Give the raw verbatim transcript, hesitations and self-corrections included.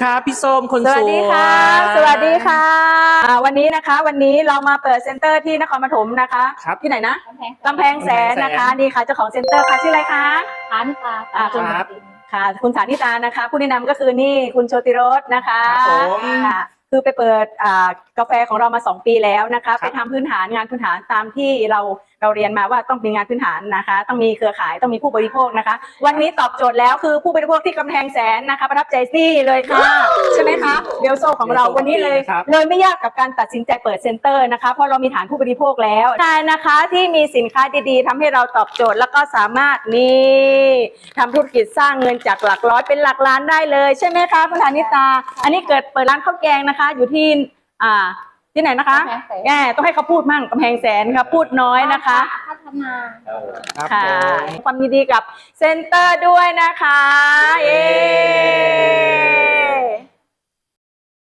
ครับพี่ส้มคนสวยสวัสดีค่ะสวัสดีค่ะวันนี้นะคะวันนี้เรามาเปิดเซ็นเตอร์ที่นครปฐมนะคะที่ไหนนะกำแพงแสนนะคะนี่ค่ะเจ้าของเซ็นเตอร์ค่ะชื่ออะไรคะฐานิตาคุณค่ะคุณฐานิตานะคะผู้แนะนำก็คือนี่คุณโชติรสนะคะค่ะคือไปเปิดกาแฟของเรามาสองปีแล้วนะคะไปทำพื้นฐานงานพื้นฐานตามที่เราเราเรียนมาว่าต้องมีงานพื้นฐานนะคะต้องมีเครือข่ายต้องมีผู้บริโภคนะคะวันนี้ตอบโจทย์แล้วคือผู้บริโภคที่กำแพงแสนนะคะประทับใจซี่เลยค่ะใช่ไหมคะเบลโซของเราวันนี้เลยเลยไม่ยากกับการตัดสินใจเปิดเซ็นเตอร์นะคะเพราะเรามีฐานผู้บริโภคแล้วใช่นะคะที่มีสินค้าดีๆทำให้เราตอบโจทย์แล้วก็สามารถนี่ทำธุรกิจสร้างเงินจากหลักร้อยเป็นหลักล้านได้เลยใช่ไหมคะคุณธานิตาอันนี้เกิดเปิดร้านข้าวแกงนะคะอยู่ที่อ่าที่ไหนนะคะแง่ต้องให้เขาพูดมั่งกำแพงแสนค่ะพูดน้อยนะคะพัฒนาค่ะความยินดีกับเซ็นเตอร์ด้วยนะคะเย้